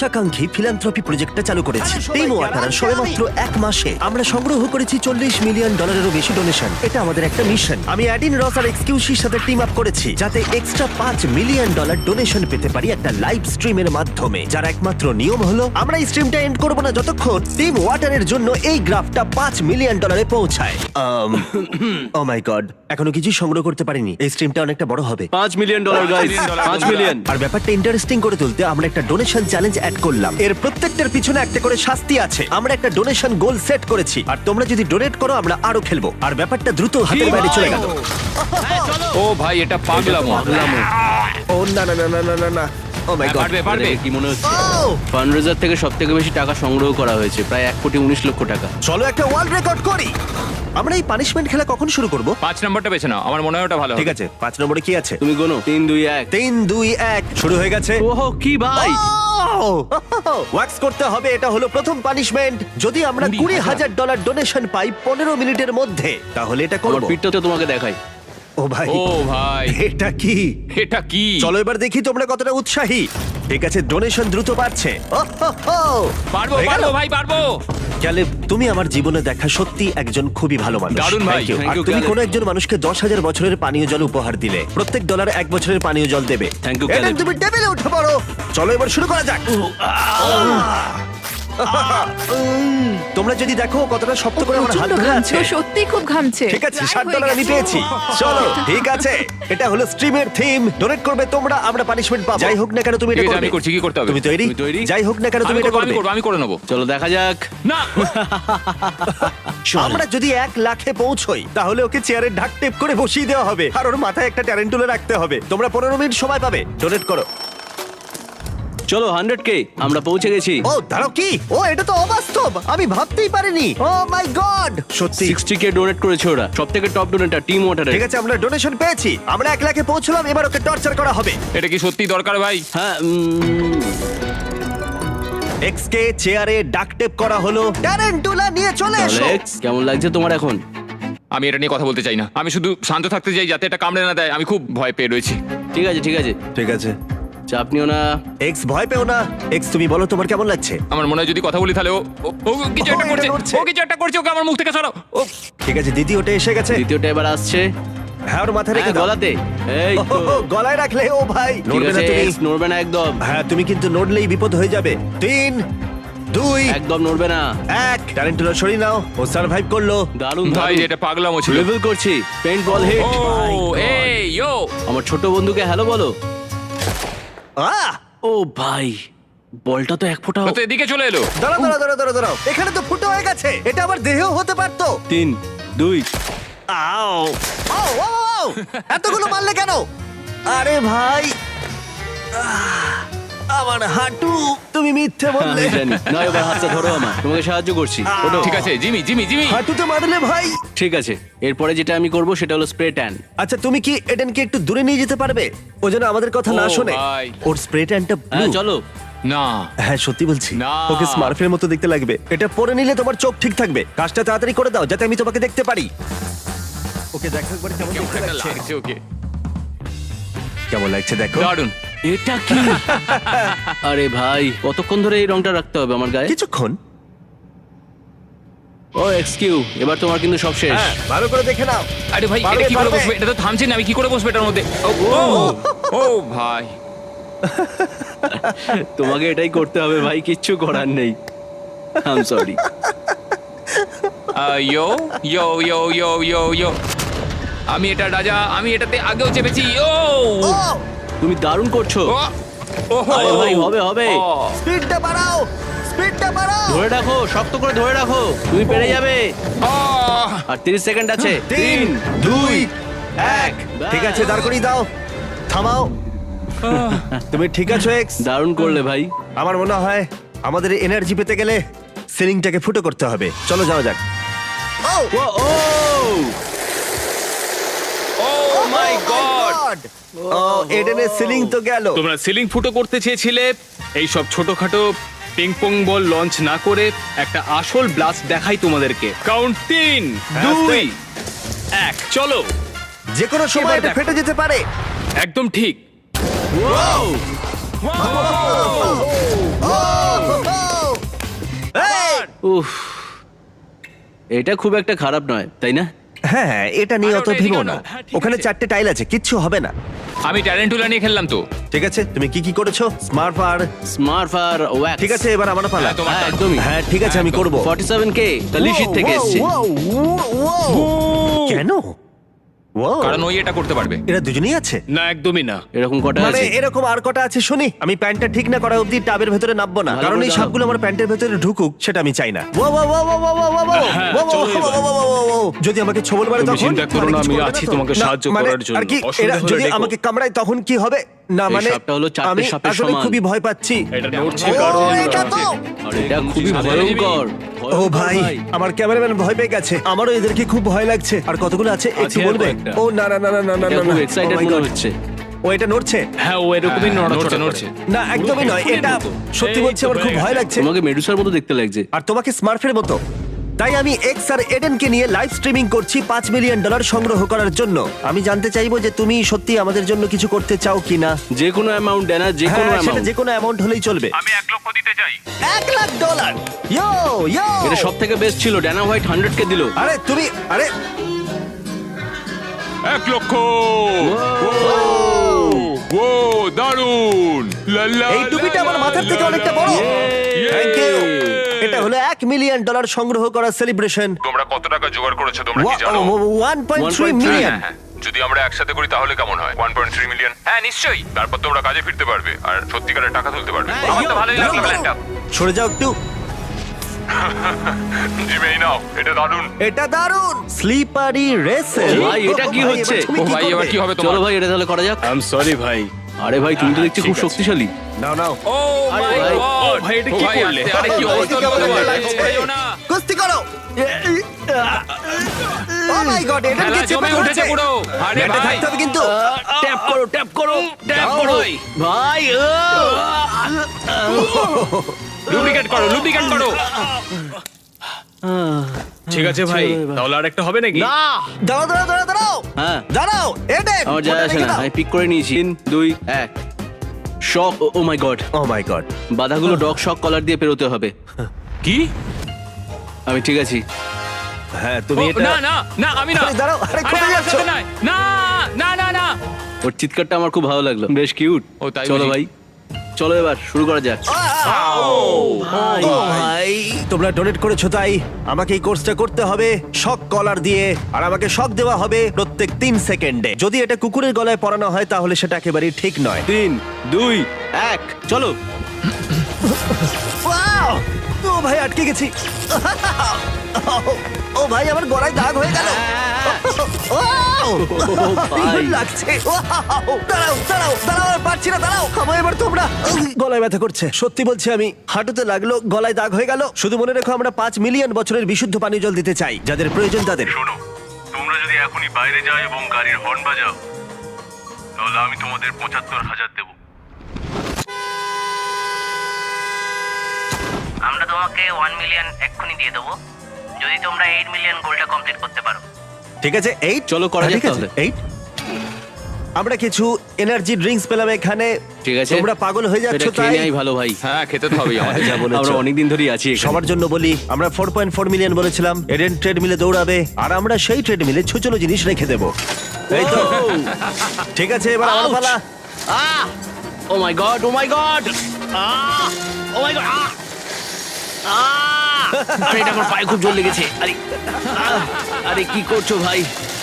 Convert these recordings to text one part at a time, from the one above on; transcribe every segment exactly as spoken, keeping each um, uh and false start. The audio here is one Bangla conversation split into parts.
উচ্চাকাঙ্ক্ষী ফিলান্থ্রপি প্রজেক্টটা চালু করেছি। টিম ওয়াটার সবেমাত্র এক মাসে আমরা সংগ্রহ করেছি চল্লিশ মিলিয়ন ডলারেরও বেশি ডোনেশন। এটা আমাদের একটা মিশন। আমি অ্যাডিন রস আর এক্সকিউসির সাথে টিম আপ করেছি যাতে এক্সট্রা পাঁচ মিলিয়ন ডলার ডোনেশন পেতে পারি একটা লাইভ স্ট্রিমের মাধ্যমে, যার একমাত্র নিয়ম হলো আমরা এই স্ট্রিমটা এন্ড করব না যতক্ষণ টিম ওয়াটারের জন্য এই গ্রাফটা পাঁচ মিলিয়ন ডলারে পৌঁছায়। ও মাই গড, এখনো কিছু সংগ্রহ করতে পারিনি। এই স্ট্রিমটা অনেকটা বড় হবে। পাঁচ মিলিয়ন ডলার গাইস, পাঁচ মিলিয়ন। আর ব্যাপারটা ইন্টারেস্টিং করে তুলতে আমরা একটা ডোনেশন চ্যালেঞ্জ অ্যাড করলাম। এর প্রত্যেকটার পিছনে একটা করে শাস্তি আছে। আমরা একটা ডোনেশন গোল সেট করেছি, আর তোমরা যদি ডোনেট করো আমরা আরো খেলবো। আর ব্যাপারটা দ্রুত হাতের বাইরে চলে গেল। ও ভাই, এটা পাগলামো। ও না না না না না না না, ও মাই গড। পারবে পারবে। কি মনে হচ্ছে? ও ফান্ডরেজার থেকে সব থেকে বেশি টাকা সংগ্রহ করা হয়েছে, প্রায় এক কোটি উনিশ লক্ষ টাকা। চলো একটা ওয়ার্ল্ড রেকর্ড করি। আমরা এই পানিশমেন্ট খেলা কখন শুরু করব? পাঁচ নাম্বারটা বেছে নাও, আমার মনে হয় ওটা ভালো হবে। ঠিক আছে, পাঁচ নম্বরে কি আছে? তুমি গোনো। তিন দুই এক। তিন দুই এক শুরু হয়ে গেছে। ওহো কি ভাই! ওয়াক্স করতে হবে, এটা হলো প্রথম পানিশমেন্ট। যদি আমরা কুড়ি কুড়ি হাজার হাজার ডলার ডোনেশন পাই পনেরো মিনিটের মধ্যে, তাহলে এটা আমার করবো। পিঠটা তো তোমাকে দেখাই। ও ভাই, ও ভাই, এটা কি? এটা কি? চলো এবার দেখি তোমরা কতটা উৎসাহী। ঠিক আছে, ডোনেশন দ্রুত বাড়ছে। পারবো হয়ে গেল? পারবো ভাই, পারবো। ক্যালেব, তুমি আমার জীবনে দেখা সত্যি একজন খুবই ভালো মানুষ। দারুণ ভাই, Thank you. thank আর you, তুমি ক্যালেব। কোনো একজন মানুষকে দশ হাজার বছরের পানীয় জল উপহার দিলে। প্রত্যেক ডলার এক বছরের পানীয় জল দেবে। Thank you, Aden, Caleb. তুমি টেবিলে উঠে পড়ো। চলো এবার শুরু করা যাক। উম, তোমরা যদি দেখো কতটা শক্ত করে আমার হাত ধরে আছে। সত্যি খুব ঘামছে। ঠিক আছে, ষাট ডলার আমি পেয়েছি। চলো ঠিক আছে, এটা হলো স্ট্রিমের থিম। ডোনেট করবে তোমরা, আমরা পানিশমেন্ট পাবো। যাই হোক না কেন তুমি এটা ঠিক আছে, করবে। আমি করছি, কি করতে হবে? তুমি তৈরি? তুমি তৈরি? যাই হোক না কেন তুমি আমি এটা করবো, আমি করবে। করবো, আমি করে নেবো। চলো দেখা যাক। না, আমরা যদি এক লাখে পৌঁছই তাহলে ওকে চেয়ারে ঢাক টেপ করে বসিয়ে দেওয়া হবে, আর ওর মাথায় একটা ট্যারেন্টুলা রাখতে হবে। তোমরা পনেরো মিনিট সময় পাবে, ডোনেট করো। চলো হান্ড্রেড কে, আমরা পৌঁছে গেছি। ও দাঁড়াও, কি? ও এটা তো অবাস্তব, আমি ভাবতেই পারিনি। ও মাই গড, সত্যি। সিক্সটি কে ডোনেট করেছে ওরা, সব থেকে টপ ডোনেটার টিম ওয়াটারের। ঠিক আছে, আমরা ডোনেশন পেয়েছি, আমরা এক লাখে পৌঁছলাম। এবার ওকে টর্চার করা হবে। এটা কি সত্যি দরকার ভাই? হ্যাঁ উম, এক্স কে চেয়ারে ডাক টেপ করা হলো। ট্যারেন্টুলা নিয়ে চলে এসো। অ্যালেক্স, কেমন লাগছে তোমার এখন? আমি এটা নিয়ে কথা বলতে চাই না। আমি শুধু শান্ত থাকতে চাই যাতে এটা কামড়ে না দেয়। আমি খুব ভয় পেয়ে রয়েছি। ঠিক আছে ঠিক আছে, ঠিক আছে, চাপ নিও না। এক্স ভয় পেও না। এক্স তুমি বলো তোমার কেমন লাগছে? আমার মনে হয় যদি কথা বলি তাহলে ও ও- ও কিছু ও, একটা এটা করছে। নড়ছে। ও কিছু একটা করছে, ওকে আমার মুখ থেকে সরাও। ও ঠিক আছে, দ্বিতীয়টা এসে গেছে। দ্বিতীয়টা এবার আসছে। হ্যাঁ, ওর মাথায় রেখে হ্যাঁ, দাও। গলাতে। এই ও, তো। ও, গলায় রাখলে ও ভাই ঠিক নড়বে না আছে, তুমি। এক্স নড়বে না একদম। হ্যাঁ, তুমি কিন্তু নড়লেই বিপদ হয়ে যাবে। তিন দুই একদম নড়বে না। এক ট্যারেন্টুলা সরিয়ে নাও। ও সার্ভাইভ করলো। দারুণ ভাই, দারুণ। এটা পাগলামো ছিল। লেভেল করছি। পেইন্ট বল হিট। ও এই ইয়ো, আমার ছোট বন্ধুকে হ্যালো বলো। আহ! ও ভাই, বলটা তো এক ফোঁটা। ও তো এদিকে চলে এলো। দাঁড়াও দাঁড়াও দাঁড়াও দাঁড়াও দাঁড়াও, এখানে তো ফুটো হয়ে গেছে। এটা আবার দেহেও হতে পারতো। তিন দুই। আও আও আও, আও! এতগুলো মারলে কেন? আরে ভাই, আহ! আমার হাঁটু। তুমি মিথ্যে বললে। আমি জানি না, এবার হাতটা ধরো আমার, তোমাকে সাহায্য করছি। ওঠো। ঠিক আছে, জিমি জিমি জিমি। হাঁটুতে মারলে ভাই। ঠিক আছে, এরপরে যেটা আমি করব সেটা হলো স্প্রে ট্যান। আচ্ছা, তুমি কি এডেনকে একটু দূরে নিয়ে যেতে পারবে? ও যেন আমাদের কথা না ও শোনে। ভাই। ওর স্প্রে ট্যানটা হ্যাঁ চলো। না, হ্যাঁ সত্যি বলছি, না। ওকে স্মার্ফের মতো দেখতে লাগবে। এটা পরে নিলে তোমার চোখ ঠিক থাকবে। কাজটা তাড়াতাড়ি করে দাও যাতে আমি তোমাকে দেখতে পারি। ওকে দেখো একবার কেমন কেমন দেখতে একটা লাগছে। লাগছে ওকে। কেমন লাগছে দেখো। দারুণ। এটা কি? আরে ভাই, কতক্ষণ ধরে এই রংটা রাখতে হবে আমার গায়ে? কিছুক্ষণ। ও এক্সকিউ, এবার তোমার কিন্তু সব শেষ। হ্যাঁ, ভালো করে দেখে নাও। আরে ভাই, পারবে, এটা কি করে পারবে। বসবে? এটা তো থামছে না, আমি কি করে বসবো এটার মধ্যে? ও ও, ও ভাই, তোমাকে এটাই করতে হবে ভাই, কিচ্ছু করার নেই। I am sorry. Yo yo yo yo yo yo. আমি এটা রাজা, আমি এটাতে আগেও চেপেছি। ও ও, তুমি দারুণ করছো। ও ওহো। আরে ভাই, হবে হবে। ও, স্পিডটা বাড়াও, স্পিডটা বাড়াও। ধরে রাখো, শক্ত করে ধরে রাখো, তুমি পেরে যাবে। আহ, আর তিরিশ সেকেন্ড আছে। তিন দুই এক। ঠিক আছে, দাঁড় করিয়ে দাও। থামাও। তুমি ঠিক আছো এক্স? দারুণ করলে ভাই। আমার মনে হয় আমাদের এনার্জি পেতে গেলে সিলিংটাকে ফুটো করতে হবে। চলো যাওয়া যাক। ও ও ও ও মাই গড। ও, এডেনের সিলিং তো গেল। তোমরা সিলিং ফুটো করতে চেয়েছিলে, এই সব ছোটখাটো পিং পং বল লঞ্চ না করে একটা আসল ব্লাস্ট দেখাই তোমাদেরকে। কাউন্ট তিন দুই এক, চলো। যে কোনো সময় এবার এটা দেখো। ফেটে যেতে পারে। একদম ঠিক। ও ও উফ, এটা খুব একটা খারাপ নয় তাই না? হ্যাঁ হ্যাঁ, এটা নিয়ে আরে অত ওটা এদিকে ভেবো আনো। না। হ্যাঁ, ঠিক ওখানে আছে। চারটে টাইল আছে, কিচ্ছু হবে না। আমি ট্যালেন্টুলা নিয়ে খেললাম তো। ঠিক আছে, তুমি কি কি করেছো? স্মার্ট আর স্মার্ট আর ওয়্যাক্স। ঠিক আছে, এবার আমার পালা। হ্যাঁ, তোমার হ্যাঁ, turn। একদমই। হ্যাঁ ঠিক আছে, আমি করব। forty-seven কে কালিশির থেকে এসেছে। কেন? Wow, কারণ ওই এটা করতে পারবে। এরা দুজনেই আছে। না একদমই না। এরকম কটা মানে আছে? এরকম আর কটা আছে শুনি। আমি প্যান্টটা ঠিক না করা অবধি টাবের ভেতরে নামবো না, ভালো কারণ করে এই দাও। সাপগুলো আমার প্যান্টের ভেতরে ঢুকুক, সেটা আমি চাই না। Wow, wow, wow, wow, wow, wow, wow, wow, হ্যাঁ, wow, wow, চলো wow, এবার। wow, wow, wow, wow। যদি আমাকে ছোবল মারে তুমি তখন চিন্তা করো মানে না, কিছু আমি করবে আছি তো? তোমাকে না, সাহায্য মানে করার জন্য। আর কি, অসুবিধা এরা হলে যদি ডেকো। আমাকে কামড়ায় তখন কি হবে? না এই মানে সাপটা হলো চারটে আমি সাপের আসলে সমান। খুবই ভয় পাচ্ছি। এটা নড়ছে ও, কারণ এটা তো। আর এটা খুবই জিমি। ভয়ঙ্কর। ও ভাই, আমার ক্যামেরাম্যান ভয় পেয়ে গেছে। আমারও এদেরকে খুব ভয় লাগছে। আর কতগুলো আছে একটু আছে আর বলবে? কয়েকটা। ও না না না না না না এটা না, খুব না। এক্সাইটেড Oh my মনে God. হচ্ছে। ও এটা নড়ছে? হ্যাঁ ও এরকমই হ্যাঁ, নড়াচড়া নড়ছে, করে। নড়ছে। না একদমই নয়, ফুলের এটা মতো। সত্যি এই বলছি, তো আমার খুব হয়ে ভয় গেছে। লাগছে। তোমাকে মেডুসার মতো দেখতে লাগছে। আর তোমাকে স্মার্ফের মতো। তাই আমি এক্স আর এডেনকে নিয়ে লাইভ স্ট্রিমিং করছি পাঁচ মিলিয়ন ডলার সংগ্রহ করার জন্য। আমি জানতে চাইবো যে তুমি সত্যি আমাদের জন্য কিছু করতে চাও কিনা। যে কোনো অ্যামাউন্ট দেনা, যে কোনো হ্যাঁ, সেটা অ্যামাউন্ট। যে কোনো অ্যামাউন্ট হলেই চলবে। আমি এক লক্ষ দিতে চাই। এক লাখ ডলার। ইয়ো ইয়ো। এটা সব থেকে বেস্ট ছিল। ড্যানা হোয়াইট হান্ড্রেড কে দিল। আরে তুমি আরে এক লক্ষ। ও দারুন। লা, লা, এই টুপিটা লা, আমার লা, মাথার থেকে লা, অনেকটা লা, বড়। ইয়ে। Thank you. এটা হলো এক মিলিয়ন ডলার সংগ্রহ করার সেলিব্রেশন। তোমরা কত টাকা জোগাড় করেছো তোমরা কি জানো? One point three one point three million. হ্যাঁ, যদি আমরা একসাথে করি তাহলে কেমন হয়? One point three million. হ্যাঁ নিশ্চয়ই। তারপর তোমরা কাজে ফিরতে পারবে আর সত্যিকারের টাকা তুলতে পারবে। আমার তো ভালোই লাগলো প্ল্যানটা। সরে যাও একটু। জিমে এই নাও, এটা দারুণ। এটা দারুণ। স্লিপারি রেসেল। ভাই, এটা কি হচ্ছে? ও ভাই এবার কি হবে চলো তোমার? ভাই, এটা তাহলে করা যাক। আই এম সরি ভাই। আরে ভাই, তুমি তো দেখছি ঠিক খুব আছে। শক্তিশালী। নাও নাও। ও মাই ভাই, গড। ও ভাই, এটা কি করলে? আরে কি অবস্থা হলো তোমার? ভেবো না। কুস্তি করো। ও মাই গড, এটা খেলা কি চেপে জমে উঠেছে ধরেছে পুরো। আরে ব্যাটে ভাই। থাকতে হবে কিন্তু। ট্যাপ করো, ট্যাপ করো, ট্যাপ দাও। করো। ভাই, লুব্রিকেট করো, লুব্রিকেট করো। ঠিক আছে ভাই, চলো এবার। তাহলে আরেকটা হবে নাকি? না। দাঁড়াও দাঁড়াও দাঁড়াও দাঁড়াও হ্যাঁ, দাঁড়াও। এডেন, আমার যায় আসে না। আমি পিক করে নিয়েছি। তিন, দুই, এক। Shock. Oh my god. Oh my god. বাধাগুলো ডগ শক কলার দিয়ে পেরোতে হবে। কি? আমি ঠিক আছি। হ্যাঁ তুমি ও, এটা না না না আমি না। আরে দাঁড়াও, আরে আরে কোথায় আমার যাচ্ছ? সাথে নয়। না না না না। ওর চিৎকারটা আমার খুব ভালো লাগলো, বেশ কিউট। ও, তাই চলো বুঝি? ভাই, চলো এবার শুরু করা যাক। ভাই, ও ভাই, তোমরা ডোনেট করেছো তাই আমাকে এই কোর্সটা করতে হবে শক কলার দিয়ে, আর আমাকে শক দেওয়া হবে প্রত্যেক তিন সেকেন্ডে। যদি এটা কুকুরের গলায় পরানো হয় তাহলে সেটা একেবারেই ঠিক নয়। তিন, দুই, এক, চলো। Wow! ও ভাই, আটকে গেছি। ও ভাই, আমার গলায় দাগ হয়ে গেল। Wow! ভাই। দারুণ লাগছে। Wow! দাঁড়াও দাঁড়াও দাঁড়াও, আর পারছি না, দাঁড়াও। থামো এবার তোমরা। উহ, গলায় ব্যথা করছে, সত্যি বলছি আমি। হাঁটুতে লাগলো, গলায় দাগ হয়ে গেল। শুধু মনে রেখো, আমরা পাঁচ মিলিয়ন বছরের বিশুদ্ধ পানীয় জল দিতে চাই, যাদের প্রয়োজন তাদের। শোনো, তোমরা যদি এখনই বাইরে যাও এবং গাড়ির হর্ন বাজাও তাহলে আমি তোমাদের পঁচাত্তর হাজার দেবো। আমরা তোমাকে ওয়ান মিলিয়ন এক্ষুনি দিয়ে দেবো যদি তোমরা এইট মিলিয়ন গোলটা কমপ্লিট করতে পারো। ঠিক আছে, এইট। চলো করা যাক তাহলে। এইট। আমরা কিছু এনার্জি ড্রিঙ্কস পেলাম এখানে। ঠিক আছে, তোমরা পাগল হয়ে যাচ্ছ এটা খেয়ে তাই। নেওয়াই ভালো ভাই। হ্যাঁ খেতে তো হবেই আমাদের। যা বলেছো। আমরা অনেকদিন ধরেই আছি এখানে। সবার জন্য বলি, আমরা ফোর পয়েন্ট ফোর মিলিয়ন বলেছিলাম। এডেন ট্রেডমিলে দৌড়াবে আর আমরা সেই ট্রেডমিলে ছোচলো জিনিস রেখে দেবো। এই তো। ঠিক আছে, এবার আমার Ouch! পালা। Ah! Oh my god, oh my god! Ah! Oh my god! Ah! Ah! আরে এটা আমার পায়ে খুব জোর লেগেছে। আরে আহ! আরে কি করছো ভাই?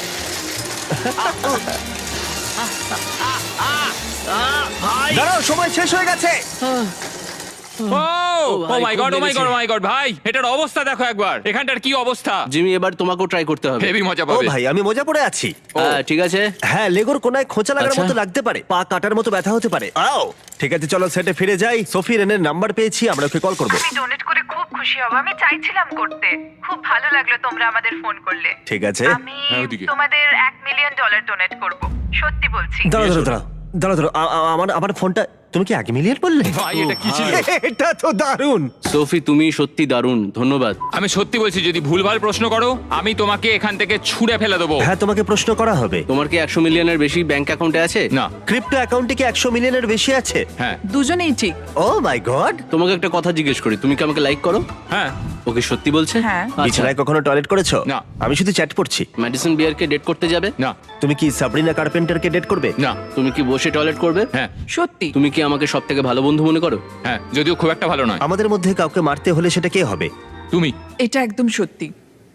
ভাই! দাঁড়াও, সময় শেষ হয়ে গেছে। ও ও ভাই, মাই খুব গড, ও মাই লেগেছে। গড, ও মাই গড ভাই, এটার অবস্থা দেখো একবার। এখানটার কি অবস্থা? জিমি, এবার তোমাকেও ট্রাই করতে হবে। হেভি মজা ও পাবে। ভাই, আমি মজা পড়ে আছি। হ্যাঁ, ঠিক আছে। হ্যাঁ, লেগোর কোনায় খোঁচা লাগার আচ্ছা। মতো লাগতে পারে, পা কাটার মতো ব্যথা হতে পারে। আও, ঠিক আছে, চলো সেটে ফিরে যাই। সোফি রেনের নাম্বার পেয়েছি, আমরা ওকে কল করব। আমি ডোনেট করে খুব খুশি হব। আমি চাইছিলাম করতে। খুব ভালো লাগলো তোমরা আমাদের ফোন করলে। ঠিক আছে, আমি হ্যাঁ, ওদিকে। তোমাদের এক মিলিয়ন ডলার ডোনেট করব। সত্যি বলছি। দাঁড়াও দাঁড়াও দাঁড়াও দাঁড়াও দাঁড়াও আ- আ- আমার আমার ফোনটা, তুমি কি এক মিলিয়ন বললে? ভাই এটা কি ছিল? এটা তো দারুণ। সোফি, তুমি সত্যি দারুণ, ধন্যবাদ। আমি সত্যি বলছি, যদি ভুলভাল প্রশ্ন করো আমি তোমাকে এখান থেকে ছুঁড়ে ফেলে দেবো। হ্যাঁ, তোমাকে প্রশ্ন করা হবে। তোমার কি একশো মিলিয়নের বেশি ব্যাংক অ্যাকাউন্টে আছে? না। ক্রিপ্টো অ্যাকাউন্টে কি একশো মিলিয়নের বেশি আছে? হ্যাঁ দুজনেই ঠিক। Oh my god. তোমাকে একটা কথা জিজ্ঞেস করি, তুমি কি আমাকে লাইক করো? হ্যাঁ ওকে সত্যি বলছে? হ্যাঁ। আচ্ছা, বিছানায় কখনো টয়লেট করেছো? না। আমি শুধু চ্যাট করছি। ম্যাডিসন বিয়ারকে ডেট করতে যাবে? না। তুমি কি সাবরিনা কার্পেন্টারকে ডেট করবে? না। তুমি কি বসে টয়লেট করবে? হ্যাঁ সত্যি। তুমি কি আমাকে সব থেকে ভালো বন্ধু মনে করো? হ্যাঁ যদিও খুব একটা ভালো নয়। আমাদের মধ্যে কাউকে মারতে হলে সেটা কে হবে? তুমি। এটা একদম সত্যি।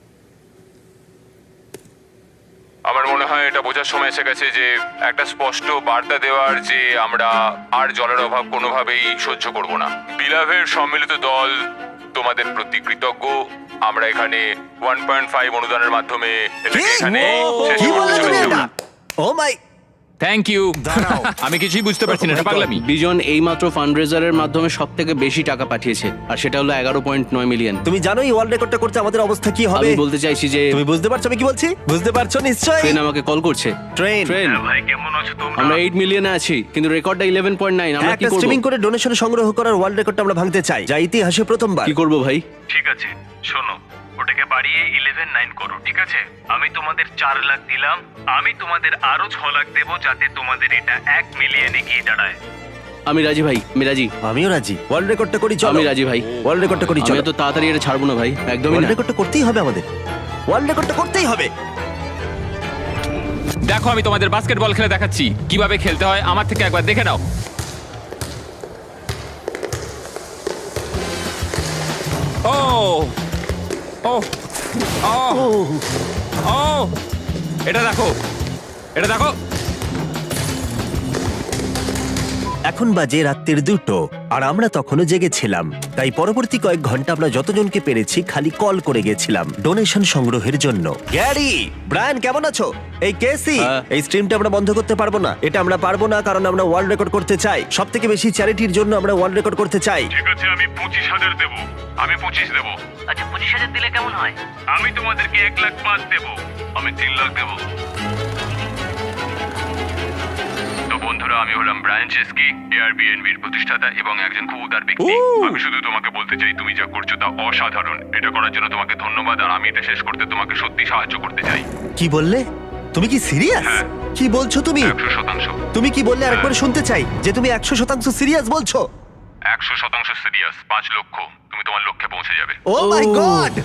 আমার মনে হয় এটা বোঝার সময় এসে গেছে যে একটা স্পষ্ট বার্তা দেওয়ার যে আমরা আর জলের অভাব কোনোভাবেই সহ্য করব না। বিলাভের সম্মিলিত দল তোমাদের প্রতি কৃতজ্ঞ। আমরা এখানে ওয়ান পয়েন্ট ফাইভ অনুদানের মাধ্যমে এটাকে এখানে শেষ কি করতে বললে তুমি চলেছি। এটা? Oh my, thank you. আমি কিছুই বুঝতে পারছি না, এটা পাগলামি। বিজন এইমাত্র ফান্ডরেজারের মাধ্যমে সব থেকে বেশি টাকা পাঠিয়েছে, আর সেটা হলো এগারো পয়েন্ট নয় মিলিয়ন। তুমি জানো এই ওয়ার্ল্ড রেকর্ডটা করতে আমাদের অবস্থা কি হবে? আমি বলতে চাইছি যে তুমি বুঝতে পারছো আমি কি বলছি? বুঝতে পারছো নিশ্চয়ই। ট্রেন আমাকে কল করছে। ট্রেন ট্রেন, ভাই কেমন আছো তোমরা? আমরা এইট মিলিয়নে আছি, কিন্তু রেকর্ডটা ইলেভেন পয়েন্ট নাইন। আমরা কি একটা করব? স্ট্রিমিং করে ডোনেশন সংগ্রহ করার ওয়ার্ল্ড রেকর্ডটা আমরা ভাঙতে চাই, যা ইতিহাসে প্রথমবার। কি করব ভাই? ঠিক আছে শোনো, ওটাকে বাড়িয়ে ইলেভেন নাইন করো, ঠিক আছে? আমি তোমাদের চার লাখ দিলাম, আমি তোমাদের আরো ছ লাখ দেবো যাতে তোমাদের এটা এক মিলিয়নে গিয়ে দাঁড়ায়। আমি রাজি ভাই, আমি রাজি। আমিও রাজি। ওয়ার্ল্ড রেকর্ডটা করি চলো। আমি রাজি ভাই। ওয়ার্ল্ড রেকর্ডটা করি আমি চলো। এত তাড়াতাড়ি এটা ছাড়বো না ভাই, একদমই ওয়ার্ল্ড না। রেকর্ডটা করতেই হবে আমাদের। ওয়ার্ল্ড রেকর্ডটা করতেই হবে। দেখো আমি তোমাদের বাস্কেটবল খেলে দেখাচ্ছি কিভাবে খেলতে হয়, আমার থেকে একবার দেখে নাও। ও ও ও ও এটা দেখো, এটা দেখো। এখন বাজে রাত্রির দুটো আর আমরা তখনও জেগেছিলাম, তাই পরবর্তী কয়েক ঘন্টা আমরা যতজনকে পেরেছি খালি কল করে গেছিলাম ডোনেশন সংগ্রহের জন্য। গ্যারি, ব্রায়ান কেমন আছো? এই কেসি, হ্যাঁ। এই স্ট্রিমটা আমরা বন্ধ করতে পারবো না। এটা আমরা পারবো না কারণ আমরা ওয়ার্ল্ড রেকর্ড করতে চাই। সব থেকে বেশি চ্যারিটির জন্য আমরা ওয়ার্ল্ড রেকর্ড করতে চাই। ঠিক আছে আমি পঁচিশ হাজার দেবো, আমি পঁচিশ দেবো। আচ্ছা পঁচিশ হাজার দিলে কেমন হয়? আমি তোমাদেরকে এক লাখ পাঁচ দেবো, আমি তিন লাখ দেবো। তো বন্ধুরা, আমি হলাম ব্রায়ান চেস্কি, এয়ারবিএনবির প্রতিষ্ঠাতা এবং একজন খুব উদার ব্যক্তি। আমি শুধু তোমাকে বলতে চাই তুমি যা করছো তা অসাধারণ। এটা করার জন্য তোমাকে ধন্যবাদ, আর আমি এটা শেষ করতে তোমাকে সত্যি সাহায্য করতে চাই। কি বললে? তুমি কি সিরিয়াস? হ্যাঁ। কি বলছো তুমি? একশো শতাংশ তুমি কি বললে আরেকবার শুনতে চাই যে তুমি একশো শতাংশ সিরিয়াস বলছো? একশো শতাংশ সিরিয়াস। পাঁচ লক্ষ, তুমি তোমার লক্ষ্যে পৌঁছে যাবে। Oh my god!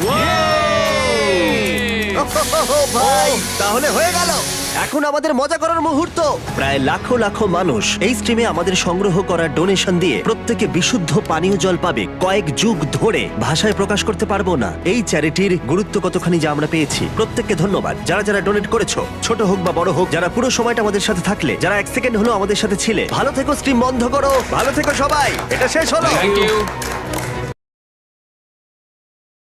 ভাই, তাহলে হয়ে গেল। এখন আমাদের মজা করার মুহূর্ত। প্রায় লাখো লাখো মানুষ এই স্ট্রিমে আমাদের সংগ্রহ করা ডোনেশন দিয়ে প্রত্যেকে বিশুদ্ধ পানীয় জল পাবে কয়েক যুগ ধরে। ভাষায় প্রকাশ করতে পারবো না এই চ্যারিটির গুরুত্ব কতখানি যা আমরা পেয়েছি। প্রত্যেককে ধন্যবাদ যারা যারা ডোনেট করেছো, ছোট হোক বা বড় হোক, যারা পুরো সময়টা আমাদের সাথে থাকলে, যারা এক সেকেন্ড হলো আমাদের সাথে ছিলে। ভালো থেকো, স্ট্রিম বন্ধ করো। ভালো থেকো সবাই, এটা শেষ হলো। Thank you.